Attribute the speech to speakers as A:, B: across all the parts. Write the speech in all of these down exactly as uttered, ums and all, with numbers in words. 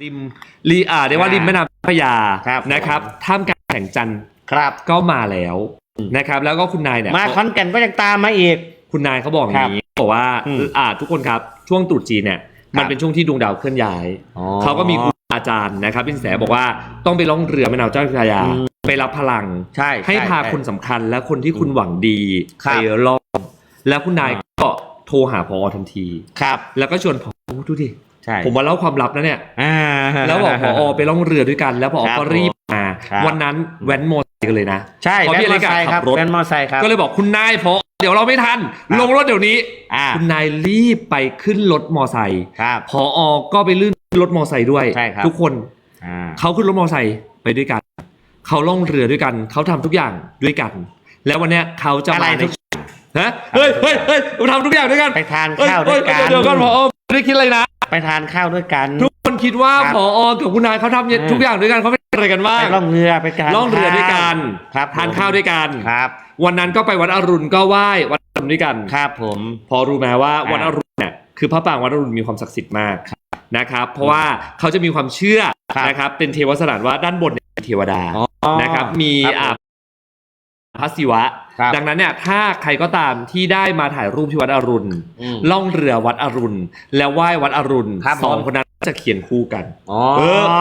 A: ริมรีอ่าเรียกว่าริมแม่น้ำเจ้าพระยานะครับท่ามกลางแสงจันทร์
B: ครับ
A: ก็มาแล้วนะครับแล้วก็คุณนายเนี่ย
B: มาขอนแก่นก็ยังตามมาอีก
A: คุณนายเขาบอกอย่างนี้บอกว่าอ่าทุกคนครับช่วงตรุษจีนเนี่ยมันเป็นช่วงที่ดวงดาวเคลื่อนย้ายเขาก็มีครูอาจารย์นะครับเป็นแสบอกว่าต้องไปล่องเรือแม่น้ำเจ้าพระยาไปรับพลัง
B: ใช่
A: ให้พาคนสำคัญและคนที่คุณหวังดีไปล่องแล้วคุณนายก็โทรหาผอทันที
B: ครับ
A: แล้วก็ชวนผอดูดิ
B: ผ
A: มมาเล่าความลับนะเนี่ยแล้วบอกผอไปล่องเรือด้วยกันแล้วผอก็รีบมาวันนั้นแว้นมอเตอร์ไซค์กันเลยนะ
B: ใช่
A: เพราะพี่เล็กขับรถ
B: แว้นมอเตอร์ไซค์ครับ
A: ก็เลยบอกคุณนายผอเดี๋ยวเราไม่ทันลงรถเดี๋ยวนี้คุณนายรีบไปขึ้นรถมอเตอร์ไซค์ผอก็ไปลื่นรถมอเตอร์ไซค์ด้วยทุกคนเขาขึ้นรถมอเตอร์ไซค์ไปด้วยกันเขาล่องเรือด้วยกันเขาทำทุกอย่างด้วยกันแล้ววันนี้เขาจะมาในฮะเฮ้ยเฮ้ยเฮ้ยเราทำทุกอย่างด้วยกัน
B: ไปทานข้าวด้วยกัน
A: เดี๋ยวก่อนผอไม่ได้คิดอะไรนะ
B: ไปทานข้าวด้วยกัน
A: ทุกคนคิดว่าผอกับคุณนายเขาทำทุกอย่างด้วยกันเขาเป็นอะไรกันบ้าง
B: ไปล่องเรือไปกัน
A: ล่องเรือด้วยกันทานข้าวด้วยกัน
B: ครับ
A: วันนั้นก็ไปวัดอรุณก็ไหว้วัดอรุณด้วยกัน
B: ครับผม
A: พอรู้ไหมว่าวัดอรุณเนี่ยคือพระปรางวัดอรุณมีความศักดิ์สิทธิ์มากนะครับเพราะว่าเขาจะมีความเชื่อนะครับเป็นเทวสถานว่าด้านบนเป็นเทวดานะครับมีอ่าพระศิวะดังนั้นเนี่ยถ้าใครก็ตามที่ได้มาถ่ายรูปที่วัดอรุณล่องเรือวัดอรุณแล้วไหว้วัดอรุณสองคนนั้นจะเขียนคู่กันเออ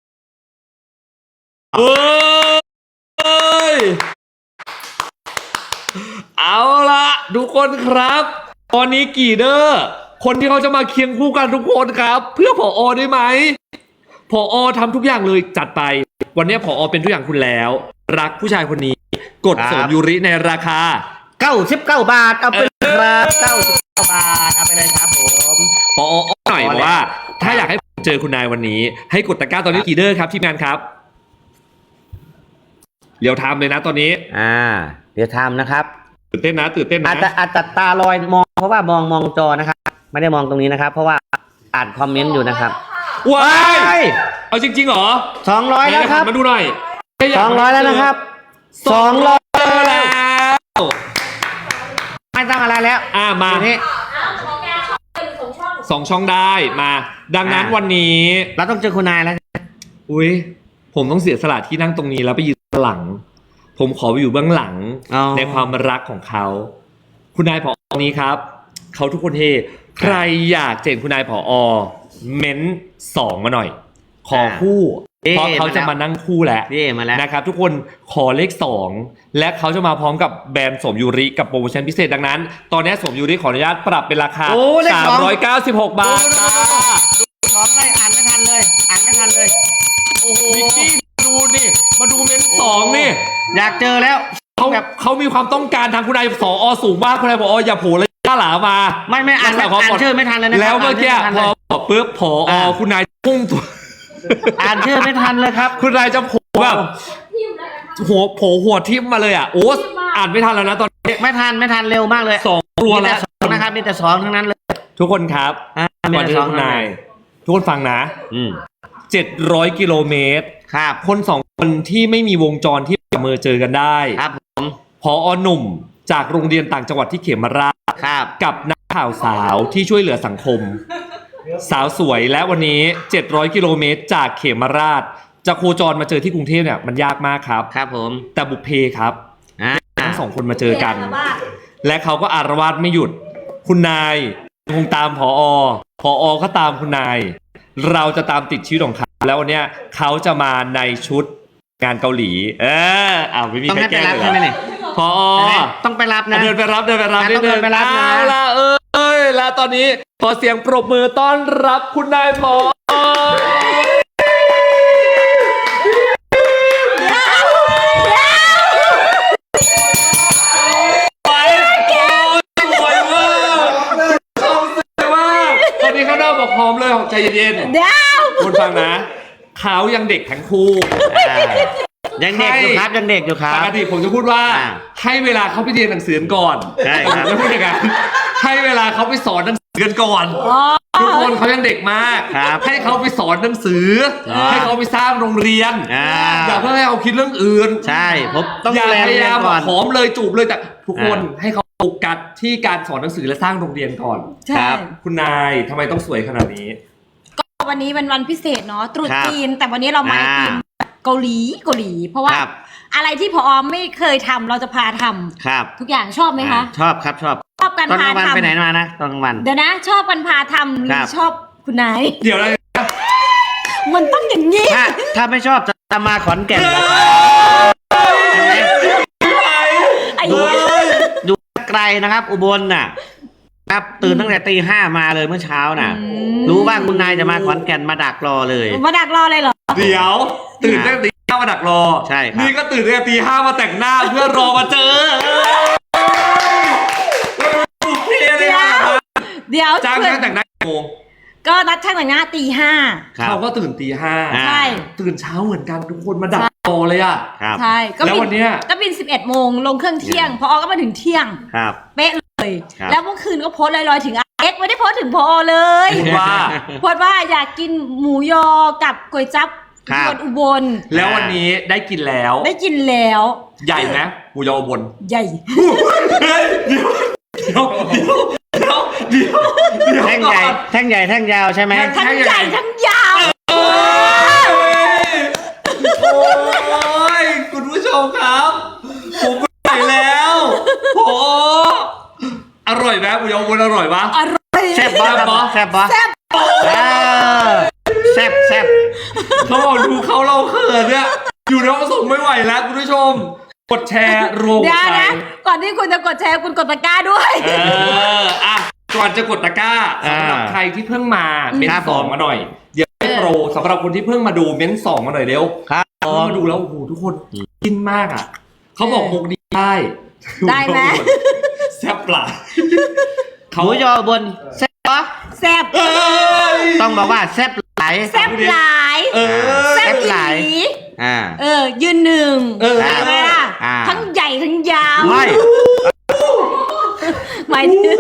A: เอ้ยเอาละทุกคนครับตอนนี้กี่เด้อคนที่เขาจะมาเคียงคู่กันทุกคนครับเพื่อผอได้ไหมผอทำทุกอย่างเลยจัดไปวันนี้ผอเป็นทุกอย่างคุณแล้วรักผู้ชายคนนี้กดสมยูริในราคา
B: เก้าสิบเก้าบาทเอาไปเลยครับเก้าสิบเก้าบาทเอาไปเลยครับผม
A: ผอหน่อยว่าถ้าอยากให้เจอคุณนายวันนี้ให้กดตะกร้าตอนนี้กี่เด้อครับทีมงานครับเดี๋ยวทำเลยนะตอนนี้
B: อ่าเดี๋ยวทำนะครับ
A: ตื่นเต้นนะตื่นเต้นนะ
B: อาจจะอาจจะตาลอยมองเพราะว่ามองมองจอนะครับไม่ได้มองตรงนี้นะครับเพราะว่าอ่านคอมเมนต์อยู่นะครับ
A: ว้ายเอาจริงๆเหรอ
B: สองร้อยแล้วครับ
A: มาดูหน่อย
B: สองร้อยแล้วนะครับสองร้อยแล้วไม่ต้องอะไรแล้ว
A: อ่ามา
B: ที่
A: สองช่องได้มาดังนั้นวันนี้
B: เราต้องเจอคุณนายแล้ว
A: อุ้ยผมต้องเสียสละที่นั่งตรงนี้แล้วไปยืนหลังผมขอไปอยู่เบื้องหลังในความรักของเขาคุณนายผอนี้ครับเขาทุกคนเฮใครอยากเจอคุณนายผอเม้นสองมาหน่อยขอคู่เพราะเขาจะมานั่งคู่แล้วนะครับทุกคนขอเลขสองและเขาจะมาพร้อมกับแบรนด์สมยูริกับโปรโมชั่นพิเศษดังนั้นตอนนี้สมยูริขออนุญาตปรับเป็นราคาสามร้อยเก้าสิบหกบาท
B: สองเลยอ่านไม่ทันเลยอ่านไม่ทันเลย
A: โอ้โหนิกกี้ดูนี่มาดูเม้นสองนี่
B: อยากเจอแล้ว
A: เขาแบบเขามีความต้องการทางคุณนายสอสูงมากคุณนายผออย่าโผล่เลยย่าหลามา
B: ไม่ไม่อ่านอ่านชื่อไม่ทันเลยนะ
A: แล้วเมื่อกี้พอบอกปุ๊บผอคุณนายพุ่งตัว
B: อ่านชื่อไม่ทันเลยครับ
A: คุณนายจะโผล่แบบหัวโผล่หัวทิ่มมาเลยอ่ะโอ้อ่านไม่ทันแล้วนะตอนนี้
B: ไม่ทันไม่ทันเร็วมากเลย
A: สองตัวแล้ว
B: นะครับมีแต่สองทั้งนั้นเลย
A: ทุกคนครับก่อนที่คุณนายทุกคนฟังนะเจ็ดร้อยกิโลเมตร
B: ครับ
A: คนสองคนที่ไม่มีวงจรที่เมือเจอกันได้
B: ครับผม
A: ผอหนุ่มจากโรงเรียนต่างจังหวัดที่เขมราช
B: ครับ
A: กับนักข่าวสาวที่ช่วยเหลือสังคมสาวสวยและวันนี้เจ็ดร้อยกิโลเมตรจากเขมราชจะโคจรมาเจอที่กรุงเทพเนี่ยมันยากมากครับ
B: ครับผม
A: แต่บุพเพครับทั้งสองคนมาเจอกันและเขาก็อารวาสไม่หยุดคุณนายคงตามผอผอก็ตามคุณนายเราจะตามติดชีวิตของเขาแล้ววันนี้เขาจะมาในชุดงานเกาหลีเอออ้าวไม่มีใครแก้เลยเหรอผอ
B: ต้องไปรับนะ
A: เดินไปรับเดินไปรับ
B: นิดนึง
A: เอาละเอ้ยแล้วตอนนี้ขอเสียงปรบมือต้อนรับคุณนายผอตอนนี้เขาเริ่มบอกพร้อมเลยใจเย็นๆคุณฟังนะเขายังเด็กทั้งคู่
B: ยังเด็กอยู่ครับยังเด็กอยู่ครับ
A: ปกติผมจะพูดว่าให้เวลาเขาไปเรียนหนังสือก่อน
B: ใช่ครับ
A: ไม่พูดอย่างนั้นให้เวลาเขาไปสอนหนังสือกันก่อนทุกคนเขายังเด็กมากให้เขาไปสอนหนังสือให้เขาไปสร้างโรงเรียนอย่าเพิ่งให้เขาคิดเรื่องอื่น
B: ใช่ผมต้อง
A: อย่าพยายามหอมเลยจูบเลยแต่ทุกคนให้เขาโฟกัสที่การสอนหนังสือและสร้างโรงเรียนก่อน
B: ครับ
A: คุณนายทำไมต้องสวยขนาดนี้
C: ก็วันนี้เป็นวันพิเศษเนาะตรุษ
B: ครับ
C: จีนแต่วันนี้เรามา
B: อ่า
C: ทีมเกาหลีเกาหลี เพราะว่า
B: ครับ
C: อะไรที่พอไม่เคยทำเราจะพาทำ
B: ครับ
C: ทุกอย่างชอบไหมคะ
B: ชอบครับชอบ
C: ชอบกัน
B: ตอนก
C: พา
B: ลางวัน
C: ทำ
B: ไปไหนมานะตอนกลางวัน
C: เดี๋ยวนะ ชอบกันพาทำหรื
B: ครั
C: อบ ชอบคุณนาย
A: เดี๋ยวอะไร
C: มันต้องอย่างนี้
B: ถ้าถ้าไม่ชอบจะมาขอนแก่นเหรอครับใช่ไหม
C: ไอ้
B: ดูดูไกลนะครับ อุบลน่ะ ครับตื่นตั้งแต่ตีห้ามาเลยเมื่อเช้าน่ะ รู้ว่าคุณนายจะมาขอนแก่นมาดักรอเลย
C: มาดักรอเลยเหรอ
A: เดี๋ยวตื่นตั้งแต่ตีห้ามาดักรอ
B: ใช่ครับ
A: นี่ก็ตื่นตั้งแต่ตีห้ามาแต่งหน้าเพื่อรอมาเจอโอเคเลยนะ
C: เดี๋ยว
A: จ้าง
C: เพื่อ
A: ช่างแต่งหน้ากี่โมง
C: ก็นัดช่างแต่งหน้าตีห้า
B: ครับ
A: เขาก็ตื่นตีห้า
B: อ่า
C: ใช่
A: ตื่นเช้าเหมือนกันทุกคนมาดักรอเลยอ่ะ
B: ครับ
C: ใช่ก็
A: แล้ว
C: บิ
A: วันเนี้ย
C: ก็บินสิบเอ็ดโมงลงเครื่องเที่ยง พอก็มาถึงเที่ยง
B: ครับ
C: เป๊ะเลย
B: ครับ
C: แล้วเมื่อคืนก็โพสต์ลอยๆถึงเอ็กซ์ไม่ได้โพสต์ถึงพอเลย
A: ว่า
C: โพสต์ว่าอยากกินหมูยอกับก๋วยจั๊บ
B: ครับ
C: ยวนอุบล
A: แล้ววันนี้ได้กินแล้ว
C: ได้กินแล้ว
A: ใหญ่ไหมหมูยอบน
C: ใหญ่
A: เฮ้ยเดี๋ยวเดี๋ยวเดี๋ยวเดี๋ยวเดี๋ยวเดี๋ยว
B: แท่งใหญ่
A: ก่อน
B: แท่งใหญ่แท่งยาวใช่ไหม
C: ทั้งใหญ่ทั้งยาว
A: โอ้ยโอ้ยคุณผู้ชมครับ ผมไปแล้วโอ้อร่อยไหมหมูยอบนอร่อยปะ
C: อร่อย
B: แซ่บบ๊อบ
A: แซ่บบ๊อบ
B: แซ่บบ๊อบ
C: แซ่บ
B: เออแซ่บแซ่บ
A: เขาบอกดูเขาเราเขินเนี่ยอยู่ในห้องส่งไม่ไหวแล้วคุณผู้ชม กดแชร์รวม
C: เดี๋ยว
A: ใจ
C: นะก่อนที่คุณจะกดแชร์คุณกดตะกร้าด้วย
A: เอออ่ะก่อนจะกดตะกร้าสำหรับใครที่เพิ่งมาเม้นสองมาหน่อย เดี๋ยวให้โปรสำหรับคนที่เพิ่งมาดูเม้นสองมาหน่อยเร็ว
B: ครับผ
A: เพิ่ง
B: ม
A: มาดูแล้วโอ้โหทุกคนกินมากอ่ะเขาบอกมุกนี้ได้
C: ได้ไหม
A: แซ่บปลา
B: หมูยอบนแซ่บปะ
C: แซ่บ
A: เอ้ย
B: ต้องบอกว่าแซ่บหลาย
C: แซ่บหลาย
A: เออ
C: แซ่บ
B: หลาย
C: หลี
B: อ่า
C: เออ ยืนหนึ่ง
A: เออ
C: ใช่ไหมล่ะ
B: อ่า
C: ทั้งใหญ่ทั้งยาว
B: ไม่
C: หมายถึง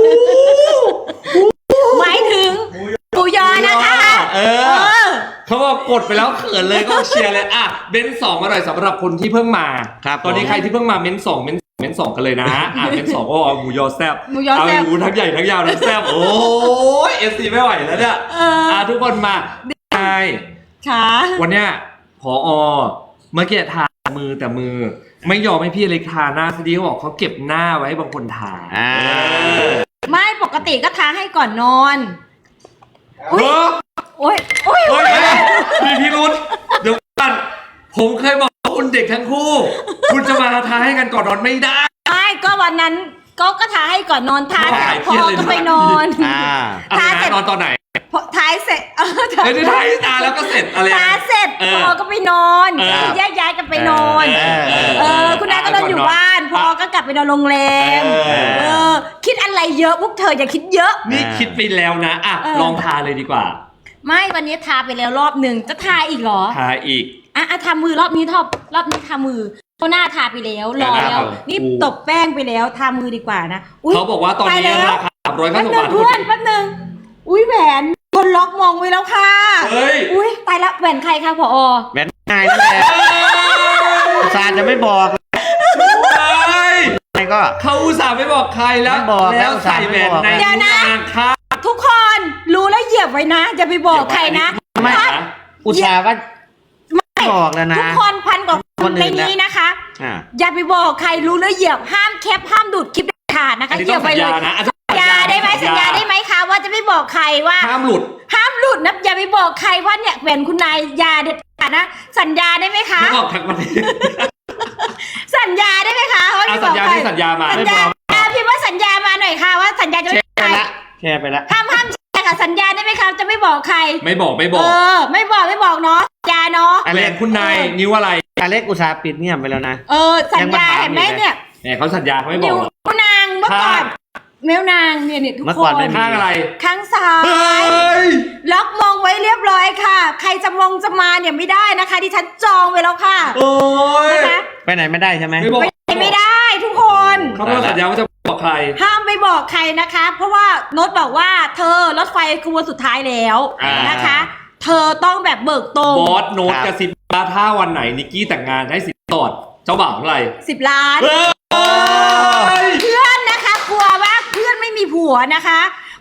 C: หมายถึงหมูยอนะคะ
A: เอ
C: เอ
A: อ
C: อ
A: เขาบอกกดไปแล้วเขินเลยก็เชียร์เลยอ่ะเม้นสองมาหน่อยสำหรับคนที่เพิ่งมา
B: ครับ
A: ตอนนี้
B: ผม
A: ใครที่เพิ่งมาเม้นสองเม้นเม้นสองกันเลยนะอ่ะเม้นสองก็เอาหมูยอแซบ
C: หมูยอแซ่บ
A: เาหมูทั้งใหญ่ทั้งยาวทั้งแซบโอ้ยเอฟซีไม่ไหวแล้วเนี่ย
C: เอออ่
A: ะทุกคนมาใช่
C: ค่ะ
A: วันเนี้ยพอเมื่อกี้ทามือแต่มือ ไม่ยอมให้พี่เล็กทาหน้าซะดีเขาบอกเขาเก็บหน้าไว้ให้บางคนทา
B: อ่า
A: เออ
C: ไม่ปกติก็ทาให้ก่อนนอน
A: เฮ้ย
C: โอ้ยโอ้ย
A: เฮ้
C: โอ้
A: ย
C: ย
A: มีพิรุษเดี๋ยวก่อนผมเคยบอกว่าคุณเด็กทั้งคู่ คุณจะมาทาให้กันก่อนนอนไม่ได้
C: ไม่ก็วันนั้นก็ก็ทาให้ก่อนนอนทา
A: ไม่ไหว
C: พอก็ไปนอน
B: อ่า
A: อะไร
C: ทาเสร็
A: นะ
C: จ
A: นอนตอนไหน
C: พอทายเสร็จเออทา
A: เอ้ยได้ทาให้ตาแล้วก็เสร็จอะไร
C: ทาเสร็จ
A: เอ
C: พ
A: อ
C: อก็ไปนอน
A: เออ
C: คือแยกย้ายกันไปนอน
A: เออเออ
C: เออคุณนายก็นอนอยู่บ้านพอก็กลับไปนอนโรงแรม
A: เออ
C: เออ คิดอะไรเยอะพวกเธออย่าคิดเยอะ
A: นี่คิดไปแล้วนะอ่ะ
C: เออ
A: ลองทาเลยดีกว่า
C: ไม่วันนี้ทาไปแล้วรอบหนึ่งจะทาอีกเหรอ
A: ทาอีก
C: อ่ะอ่ะทามือรอบนี้ทอบรอบนี้ทามือเพราะหน้าทาไปแล้วรอ
A: ครั
C: แล้ว
A: บ
C: นี่
A: อู้
C: ตบแป้งไปแล้วทามือดีกว่านะย
A: เขาบอกว่าตอน
C: ไป
A: นี้
C: แล้ว
A: ราคาสามร้อย
C: แป๊
A: เก้า
C: บ
A: สิบ
C: นึง
A: บาท
C: เพื่อนแป๊บนึงอุ้ยแหวนคนล็อกมองไว้แล้วค่ะ
A: เฮ้ย
C: อุ้ยตายละแหวนใครคะพอ
B: แม่นง่ายนั่นแหละอุตส่าห์จะไม่บอก
A: เฮ้ย
B: ไงก็
A: เขาอุตส่าห์ไม่บอกใครแล้ว
B: ไม่บอก
A: แล้วใส่แหวนใน
C: เดี๋ยวนะ
A: นิ้วนางข้าง
C: ทุกคนรู้แล้วเหยียบไว้นะอย่าไปบอกใครนะ
B: ไม่
A: นะ
B: อุตส่าห์ว่าไม่บอกแล้วนะ
C: ทุกคนพันกว่าค
B: คน
C: น
B: อื่น
C: ใน
B: นะ
C: นี้นะคะ
B: อ่า
C: อย่าไปบอกใครรู้แล้วเหยียบห้ามแคปห้ามดูดคลิปเด็ดขาดนะ
A: อัน
C: คะ
A: นี้
C: เหยี
A: ต้
C: ย
A: อบ ง
C: ไป
A: สัญ
C: เล
A: ญาย นะอ่ะ
C: สัญญาได้ไหมสัญญาได้ไหมคะว่าจะไม่บอกใครว่า
A: ห้ามหลุด
C: ห้ามหลุดนะอย่าไปบอกใครว่าเนี่ยแหวนคุณนายอยาเด็ดขาดนะสัญญาได้ไหมคะ
A: ไม่บอกทั้งประเทศ
C: สัญญาได้ไหมคะว่า
A: อ่ะ
C: ไม่บ
A: สั
C: อ
A: ญ
C: ก
A: ญา
C: ใคร
A: ที่สัญญามา
C: สัญญาอ่ะพี่ว่าสัญญามาหน่อยค่ะว่าสัญญาจะ
B: แช
C: ไม่
B: ร์
C: บอกใคร
B: ไปละแชร์ไปละ
C: ห้ามห้ามแชร์กับสัญญาได้ไหมคะจะไม่บอกใคร
A: ไม่บอกไม่บอ
C: เอก อ ไม่บอกไม่บอกเนาะสัญญาเนาะ
B: อ
A: แหว
B: เล็
A: น
B: ก
A: คุณนายนิ้วอะไร
B: อเล็กอุตส่าห์ปิดเงียบไปแล้วนะ
C: เออสัญญา
B: ยังมาถาม
C: เห็นไหม
B: อยู่เลย
C: เนี่ย
A: แหมเขาสัญญาเขาไม่บ
C: นิ้
A: อ
C: ว
A: กหรอก
C: นางเมื่อก่อน
A: ข้าง
C: เมวนางเนี่ยเนี่ยทุก
B: เมื่อ
C: ค
B: ก่อน
C: น
B: ไม่มี
A: ข้างอะไร
C: ข้างซ้า
A: เฮ้
C: ย
A: ย
C: ล็อกมองไว้เรียบร้อยค่ะ ใครจะมองจะมาเนี่ยไม่ได้นะคะดิฉันจองไว้แล้วค่ะ
A: โอ้ย
C: นะคะ
B: ไปไหนไม่ได้ใช่ไหม
A: ไม่บอก
C: ไปไม่ได้ทุกคน
A: เขาไม่สัญญาว่าจะบอกใคร
C: ห้ามไปบอกใครนะคะ เพราะว่าโน้ตบอกว่าเธอรถไฟขบวนสุดท้ายแล้ว
A: อ่าน
C: นะคะ เธอต้องแบบเบิกตรง
A: บอสโน้ตกระซิบว่าถ้าวันไหนนิกกี้แต่งงานให้สินสอดเจ้าบ่าวเท่าไหร่
C: สิบล้าน
A: เฮ้ย
C: เพื่อนนะคะกลัวว่าเพื่อนไม่มีผัวนะคะ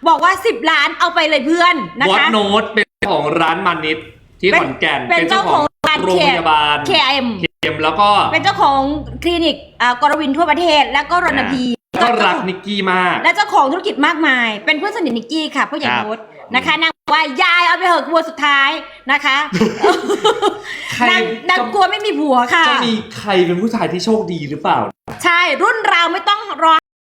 C: บอกว่าสิบล้านเอาไปเลยเพื่อนนะ
A: วอต
C: คะ
A: โนตเป็นเจ้าของร้านมันนิดที่ขอนแก่น
C: เป็นเจ้าของร้าน
A: โรงพยาบาล
C: เค เอ็ม
A: เคมแล้วก็
C: เป็นเจ้าของคลินิกอ่ากรวินทั่วประเทศ แล้วก็รณพี
A: ก็รักนิกกี้มาก
C: และเจ้าของธุรกิจมากมาย เป็นเพื่อนสนิทนิกกี้ค่ะผู้ใหญ่
B: ครับ
C: โน้ตนะคะนางบอกว่ายายเอาไปเหอะกลัวสุดท้ายนะคะ
A: ใคร
C: นางนางกลัวไม่มีผัวค่ะ
A: จะมีใครเป็นผู้ชายที่โชคดีหรือเปล่า
C: ใช่รุ่นเราไม่ต้องรอ